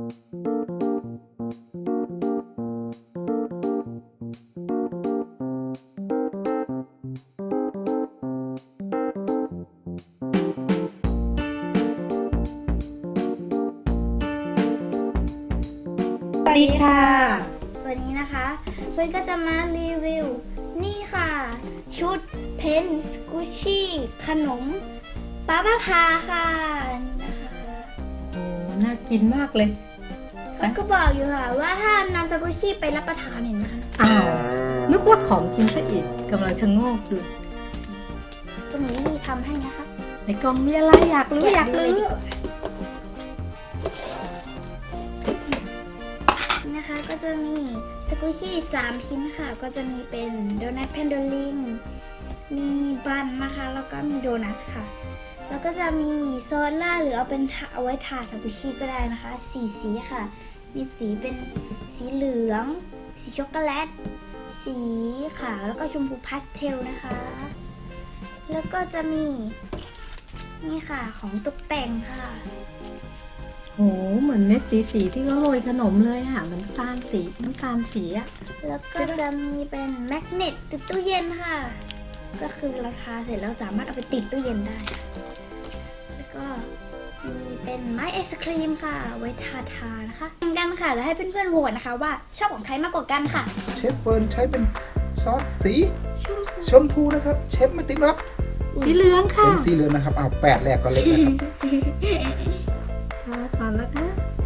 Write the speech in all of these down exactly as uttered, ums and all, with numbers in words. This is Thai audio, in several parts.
สวัสดีค่ะวันนี้นะคะเพื่อนก็จะมารีวิวนี่ค่ะชุดเพนสกูชี่ขนมป้าป้าพาค่ะนี่นะคะโอ้น่ากินมากเลยเขาก็บอกอยู่ค่ะว่าห้ามนำสกูชี่ไปรับประทานเห็นนะคะอ้าวนึกว่าของกินซะอีกกำลังชะโงกดูตรงนี้ทำให้นะคะในกล่องมีอะไรอยากรู้อยากเลรู้ยดีกว่านะคะก็จะมีสกูชี่สามชิ้นค่ะก็จะมีเป็นโดนัทแพนโดลิงมีบันนะคะแล้วก็มีโดนัทค่ะแล้วก็จะมีโซล่าหรือเอาเป็นเอาไว้ทาสกูชี่ก็ได้นะคะสีสีค่ะมีสีเป็นสีเหลือง สีช็อกโกแลตสีขาวแล้วก็ชมพูพาสเทลนะคะแล้วก็จะมีนี่ค่ะของตกแต่งค่ะโหเหมือนเม็ดสีสีที่เขาโรยขนมเลยอ่ะเหมือนตาลสีน้ำตาลสีอ่ะแล้วก็จะมีเป็นแมกเนตติดตู้เย็นค่ะก็คือเราทาเสร็จแล้วสามารถเอาไปติดตู้เย็นได้แล้วก็มีเป็นไม้ไอศครีมค่ะไว้ทาทานะคะเหมือนกันค่ะแล้วให้เพื่อนๆโหวตนะคะว่าชอบของใครมากกว่ากันค่ะเชฟเฟิร์นใช้เป็นซอสสีชมพูนะครับเชฟมาติ๊กรับสีเหลืองค่ะเป็นสีเหลืองนะครับอ้าวแปดแรกก็เล็กนะครับทาก่อนนะคะ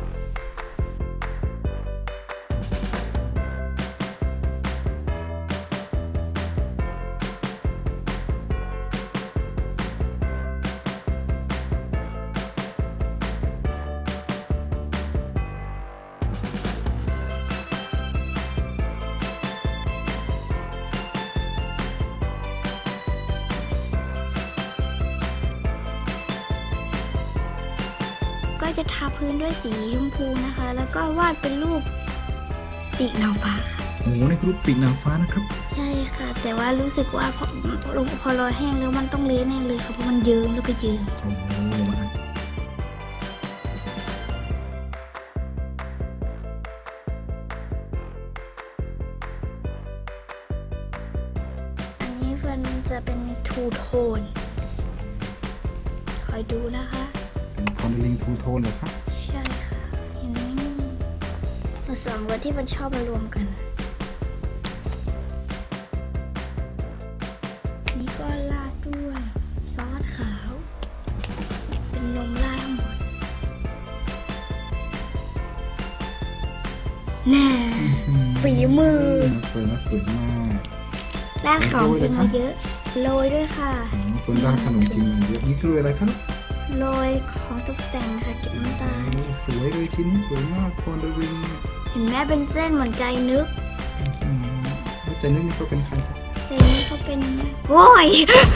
ก็จะทาพื้นด้วยสีชมพูนะคะ แล้วก็วาดเป็นรูปปีกนางฟ้าค่ะโอ้โหนี่คือรูปปีกนางฟ้านะครับใช่ค่ะ แต่ว่ารู้สึกว่าพอพอรอแห้งแล้วมันต้องเละแน่เลยค่ะเพราะมันเยิ้มแล้วก็เยิ้มโอ้โหมาอันนี้เฟิร์นจะเป็นทูโทนคอยดูนะคะเป็นคอนเดลิงทูโทนเหรอครับใช่ค่ะ เห็นไหมนี่สองเวอร์ที่มันชอบมารวมกัน นี่ก็ราดด้วยซอสขาว เป็นนมราดทั้งหมดแน่ฝีมือเฟิร์นว่าสวยมากราดของจริงมาเยอะ โรยด้วยค่ะอ๋อเฟิร์นราดขนมจริงมาเยอะนี่คืออะไรครับโรยของตกแต่งค่ะเก็บน้ำตาลโอ้สวยเลยชิ้นนี้สวยมากคอนเดลิงเนี่ยเห็นแม่เป็นเส้นเหมือนใจนึกอืมแล้วใจนึกนี่ก็เป็นใครครับใจนึกเขาเป็นโว้ย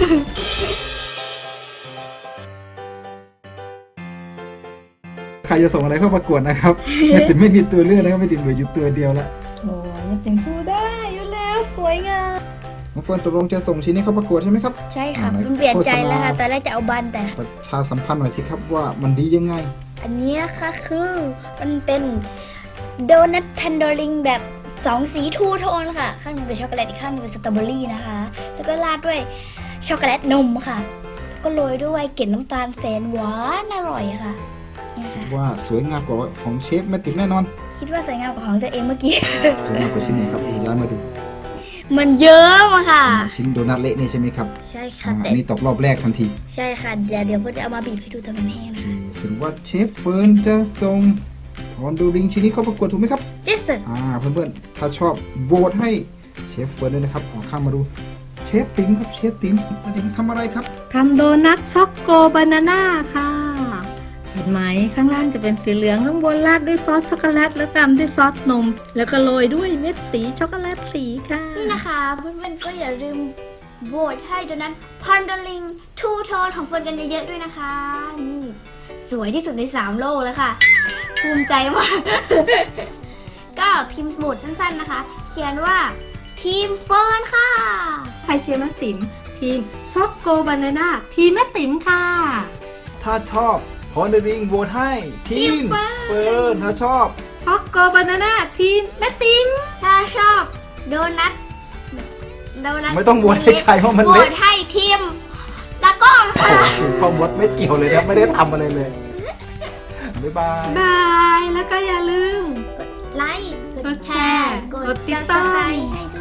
ใครจะส่งอะไรเข้าประกวดนะครับไม่ติดไม่มีตัวเลือกนะครับไม่ติดเหลืออยู่ตัวเดียวละโอ้ยยังพูดได้อยู่แล้วสวยงามน้องเฟิร์นตกลงจะส่งชิ้นนี้เข้าประกวดใช่ไหมครับใช่ค่ะอ่าไหนมันเปลี่ยนใจแล้วค่ะโฆษณาตอนแรกจะเอาบันแต่ประชาสัมพันธ์หน่อยสิครับว่ามันดียังไงอันนี้นะคะคือมันเป็นโดนัทแพนโดลิงแบบสองสีทูโทนค่ะ ข้างหนึงเป็นช็อกโกแลตอีกข้างหนึงเป็นสตรอเบอรี่นะคะ แล้วก็ราดด้วยช็อกโกแลตนมค่ะ ก็โรยด้วยเกล็ดน้ำตาลแสนหวานอร่อยค่ะเนี่ยค่ะว่าสวยงามกว่าของเชฟแม่ติ๋มแน่นอนคิดว่าสวยงามกว่าของตัวเองเมื่อกี้สวยงามกว่าชิ้นนี้ครับย้ายมาดูมันเยอะอะค่ะชิ้นโดนัทเละนี่ใช่ไหมครับใช่อ่าค่ะอัแต่นนี้ตกรอบแรกทันทีใช่ค่ะเดี๋ยวเดี๋ยวเพื่อจะเอามาบีบให้ดูตอนมันแห้งโอนะเคถึงว่าเชฟเฟิร์นจะส่งคอนโดริงชิ้นนี้เข้าประกวดถูกไหมครับเจสเซอร์อ่าเพื่อนๆถ้าชอบโหวตให้เชฟเฟิร์นด้วยนะครับออกข้ามมาดูเชฟติ๋มครับเชฟติ๋มแม่ติ๋มทำอะไรครับทำโดนัทช็อกโกบานาน่าค่ะ เห็นไหมข้างล่างจะเป็นสีเหลืองข้างบนราดด้วยซอสช็อกโกแลตแล้วตามด้วยซอสนม แล้วก็โรยด้วยเม็ดสีช็อกโกแลตสีค่ะนี่นะคะเพื่อนๆก็อย่าลืมโหวตให้โดนัทพอนดลิงทูโทนของเฟิร์นกันเยอะๆด้วยนะคะ นี่สวยที่สุดในสามโลกแล้วค่ะ ภูมิใจมาก ก็พิมพ์สมุดสั้นๆนะคะ เขียนว่าทีมเฟิร์นค่ะใครเชียร์แม่ติ๋มทีมช็อกโกบานาน่าทีมแม่ติ๋มค่ะถ้าชอบพอนเดอร์ริงโหวตให้ทีมเฟิร์นถ้าชอบช็อกโกบานาน่าทีมแม่ติ๋มถ้าชอบโดนัทโดนัทไม่ต้องโหวตให้ใครเพราะมันโหวเล็กตให้ทีมตะก้อนโอ้ค่ะโหพ่อมดไม่เกี่ยวเลยนะไม่ได้ทำอะไรเลยบ๊ายบายบายแล้วก็อย่าลืมไลค์กดแชร์กกดดติติดดตาตาม มให้